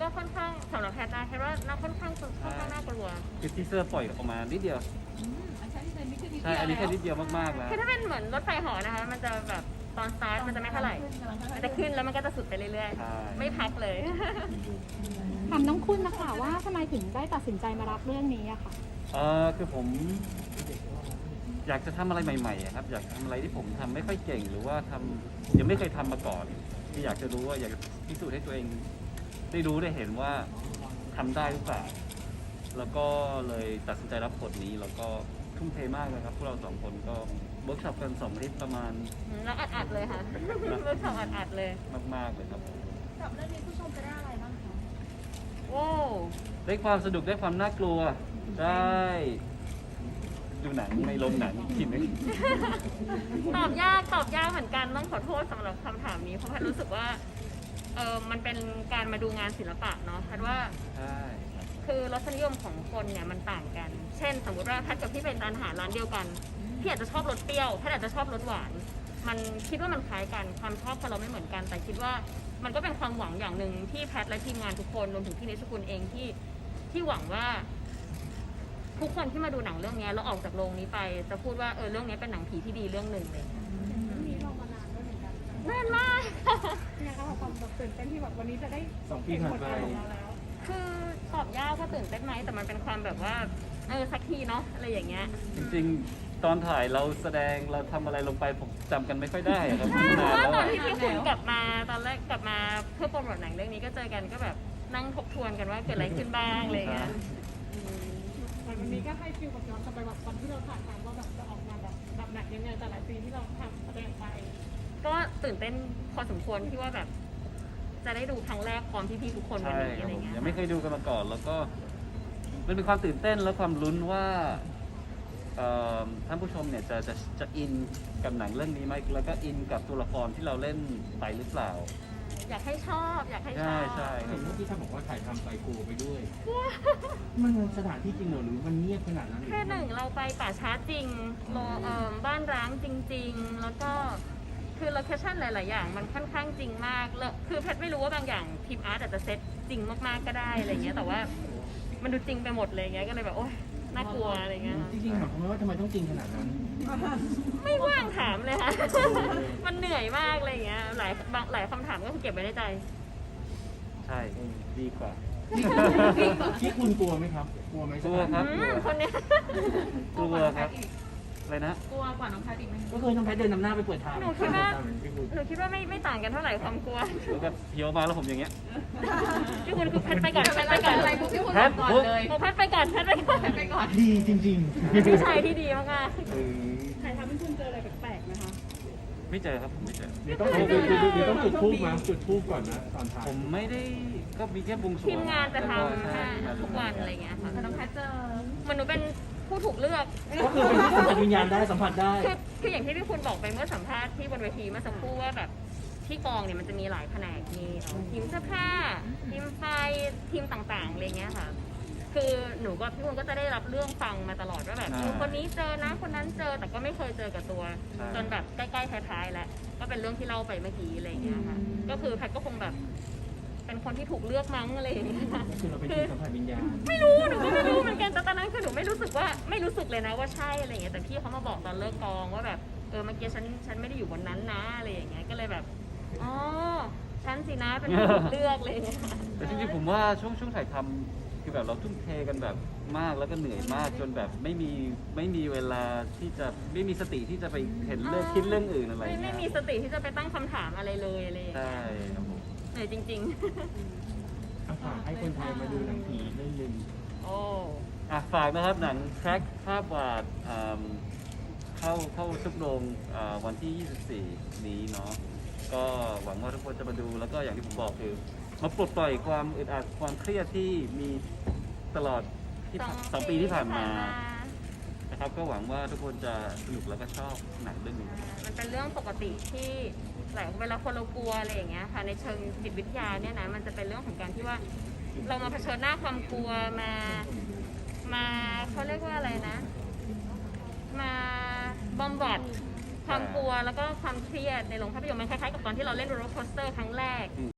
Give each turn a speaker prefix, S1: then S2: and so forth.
S1: ก็ค่อนข้างสำหรับแพทย์นะแพทย์ว่าน่าค่อนข้างน่ากลัว
S2: คือทีเซอร์ปล่อยออกมานิดเดียวใช่อันนี้แค่นิดเดียวมากๆแล้ว
S1: คือถ้าเป็นเหมือนรถไฟเหอนะคะมันจะแบบตอนสตาร์ทมันจะไม่เท่าไหร่มันจะขึ้นแล้วมันก็จะสุดไปเรื่อย
S2: ใช่
S1: ๆไม่พักเลย
S3: ถามน้องคุณนะคะว่าทำไมถึงได้ตัดสินใจมารับเรื่องนี้อะค่ะ
S2: คือผมอยากจะทำอะไรใหม่ๆอะครับอยากทำอะไรที่ผมทำไม่ค่อยเก่งหรือว่ายังไม่เคยทำมาก่อนที่อยากจะรู้ว่าอยากจะพิสูจน์ให้ตัวเองได้รู้ได้เห็นว่าทำได้หรือเปล่าแล้วก็เลยตัดสินใจรับบทนี้แล้วก็ทุ่มเทมากเลยครับพวกเราสองคนก็เวิร์กช็อปกัน2 อาทิตย์ประมาณ
S1: แล้วอัดเลยค่ะเวิร์กช็อปอัดเลย
S2: มากๆเลยครับ
S3: กับเรื่องนี้ผู้ชมจะได้อะไรบ้างคะ
S1: โอ้
S2: ได้ความสนุกได้ความน่ากลัวได้ดูหนังในโรงหนังกินไหม
S1: ตอบยากเหมือนกันต้องขอโทษสำหรับคำถามนี้เพราะแพทย์รู้สึกว่ามันเป็นการมาดูงานศิลปะเนาะแพทย์ว่า
S2: ใช่ครับ
S1: คือรสนิยมของคนเนี่ยมันต่างกัน เช่น สมมติว่าแพทย์กับพี่เป็นร้านอาหารร้านเดียวกันพี่อาจจะชอบรสเปรี้ยวแพทย์อาจจะชอบรสหวานมันคิดว่ามันคล้ายกันความชอบของเราไม่เหมือนกัน แต่คิดว่ามันก็เป็นความหวังอย่างหนึ่งที่แพทย์และทีมงานทุกคนรวมถึงพี่นิชกุลเองที่หวังว่าทุกคนที่มาดูหนังเรื่องนี้แล้วออกจากโรงนี้ไปจะพูดว่าเรื่องนี้เป็นหนังผีที่ดีเรื่องหนึ่งเลย
S3: เรื่องนี้เรามานานด้วยเหมือนกัน
S1: นานมาก
S3: เนี่ยค่ะความแบบตื่นเต้นที่แบบวันนี้จะได้
S4: 2 ปีผ่านไป
S3: ของเราแล้ว
S1: คือตอบยากว่าตื่นเต้นไหมแต่มันเป็นความแบบว่าสักทีเนาะอะไรอย่างเงี้ย
S2: จริงๆ ตอนถ่ายเราแสดงเราทำอะไรลงไปผมจำกันไม่ค่อยได้อะครับ
S1: ใช่เพ
S2: นาน
S1: ราะว่า
S2: แล้ว
S1: ตอน
S2: อะ
S1: ที่พี่คุณกลับมาตอนแรกกลับมาเพื่อโปรโมทหนังเรื่องนี้ก็เจอกันก็แบบนั่งทบทวนกันว่าเกิดอะไรขึ้นบ้างอะไรอย่างเงี้ย
S3: วันนี้ก็ให้ฟิลกับย้อนกลับไปแบบวันที่เราถ่ายทำว่าแบบจะออกมาแบบไหนยังไงแต่หลายปีที่เราทำแสดงไป
S1: ก็ตื่นเต้นพอสมควรที่ว่าแบบจะได้ดูครั้งแรกพร้อมพี่ๆทุกคนวัน
S2: ใช่
S1: นี้
S2: ครั
S1: อะ
S2: บ
S1: ไร
S2: ผม
S1: เงี้ย
S2: ยังไม่เคยดูกันมาก่อน แล้วก็มันเป็นความตื่นเต้นและความลุ้นว่าท่านผู้ชมเนี่ยจะอินกับหนังเรื่องนี้ไหมแล้วก็อินกับตัวละครที่เราเล่นไปหรือเปล่า
S1: อยากให้ชอบอยากให้ช
S2: ใช่
S1: อบ
S2: ใช่ครั
S4: เห็
S2: บ
S4: นเมื่อกี้ท่านบอกว่าถ่ายทำไปกลัวไปด้วย มันสถานที่จริงเหรอหรือมันเงียบขนาดนั้นหรือ
S1: คือหนึ่งเราไปป่าช้าจริงบ้านร้างจริง ๆ แล้วก็คือโลเคชั่นหลาย ๆ อย่างมันค่อนข้างจริงมากแล้วคือแพทย์ไม่รู้ว่าบางอย่างทีมอาร์ตอาจจะเซตจริงมาก ๆ ก็ได้อะไรเงี้ยแต่ว่ามันดูจริงไปหมดเลยเงี้ยก็เลยแบบโอ๊ยน่ากลัวอะไรเงี้ยค่ะ
S4: จริงๆถามเขาว่าทำไมต้องจริงขนาดนั้น
S1: ไม่ว่างถามเลยค่ะ มันเหนื่อยมากอะไรเงี้ยหลายคำถามก็คือเก็บไว้ในใจ
S2: ใช่ดีกว่า
S4: ที่คุณกลัวไหมครับ กลัวไหม
S2: กลัวครับ
S1: คนเนี้ย
S2: กลัวครับอะไรนะ
S3: กลัวกว่าน้องแพทอีกไหม
S4: ก็เคยน้องแพทเดินนำหน้าไปเปิดทาง
S1: หนูคิดว่าไม่ต่างกันเท่าไหร่ความกลัว
S2: แล้วก็เพียวมาแล้วผมอย่างเงี้ย
S1: พี่คุณคือแพทย์ไปก่อนแพทย์ไปก่อน
S3: อะไรพี่คุณ
S2: แพทย์
S3: ก่อนเลย
S1: โอ้แพทย์ไปก่อนแพทย์ไปก่อน
S3: ไปก่อน
S4: ดีจริง
S1: ผู้ชายที่ดีมาก
S2: เออ
S3: ถ่ายทำให้คุณเจออะไรแปลกๆนะคะ
S2: ไม่เจอครับผมไม่เจอ
S4: ๆต้องจุดทูบมาจุดทูบก่อนนะตอนถ่าย
S2: ผมไม่ได้ก็มีแค่บวงสรวง
S1: ๆทีมงานจะท
S2: ใช่
S1: ำทุกวันอะไรเงี้ยค่ะ
S3: น้องแพทเจอ
S1: มันหนูเป็นผู้ถูกเลือก
S4: ก็คือเป็นที่สัมผัสวิญญาณได้สัมผัสได้
S1: คืออย่างที่พี่คุณบอกไปเมื่อสัมภาษณ์ที่บนเวทีเมื่อสักครู่ว่าแบบที่กองเนี่ยมันจะมีหลายแผนกมีทีมเสื้อผ้าทีมไฟทีมต่างๆอะไรเงี้ยค่ะ คือหนูกับพี่คุณก็จะได้รับเรื่องฟังมาตลอดว่าแบบคนนี้เจอนะคนนั้นเจอแต่ก็ไม่เคยเจอกับตัว จนแบบใกล้ๆท้ายๆแล้วก็เป็นเรื่องที่เล่าไปเมื่อกี้อะไรเงี้ยค่ะก็คือแพทย์ก็คงแบบเป็นคนที่ถูกเลือกมั้งอะไรอย่างเงี้ย
S4: คือเราเป็นที่สัมผัสวิญญาณ
S1: ไม่รู้หนูก็ไม่รู้เหมือนกันแต่ตอนนั้นคือหนูไม่รู้สึกเลยนะว่าใช่อะไรอย่างเงี้ยแต่พี่เขามาบอกตอนเลิกกองว่าแบบเมื่อกี้ฉันไม่ได้อยู่บนนั้นนะอะไรอย่างเงี้ยก็เลยแบบอ๋อฉันสินะเป็นคนถูกเลือกเลย
S2: แต่จริงๆผมว่าช่วงถ่ายทำคือแบบเราทุ่มเทกันแบบมากแล้วก็เหนื่อยมากจนแบบไม่มีเวลาที่จะไม่มีสติที่จะไปเห็นเรื่องคิดเรื่องอื่นอะไร
S1: ไม่
S2: เงี้ย
S1: มีสติที่จะไปตั้งคำถามอะไรเลยอะไรอย่างเงี้
S2: ใช่
S1: ย
S2: ครับผม
S1: เหนื่อยจริง
S4: ฝากให้คนไทยมาดูหนังผีเรื่องหนึ่ง
S1: ๆ โอ้
S2: ฝากนะครับหนังแทร็กภาพวาดเข้าทุกโรงวันที่ 24 นี้เนาะก็หวังว่าทุกคนจะมาดูแล้วก็อย่างที่ผมบอกคือมาปลดปล่อยความอึดอัดความเครียดที่มีตลอดที่สองปีที่ผ่านมานะครับก็หวังว่าทุกคนจะสนุกแล้วก็ชอบหนังเรื่องนี้
S1: มันเป็นเรื่องปกติที่เวลาคนเรากลัวอะไรอย่างเงี้ยค่ะในเชิงจิตวิทยาเนี่ยนะมันจะเป็นเรื่องของการที่ว่าเรามาเผชิญหน้าความกลัวมาเขาเรียกว่าอะไรนะ มาบอมบัดความกลัวแล้วก็ความเครียดในโรงภาพยนตร์มันคล้ายๆกับตอนที่เราเล่นโรลเลอร์โคสเตอร์ครั้งแรก
S2: อืม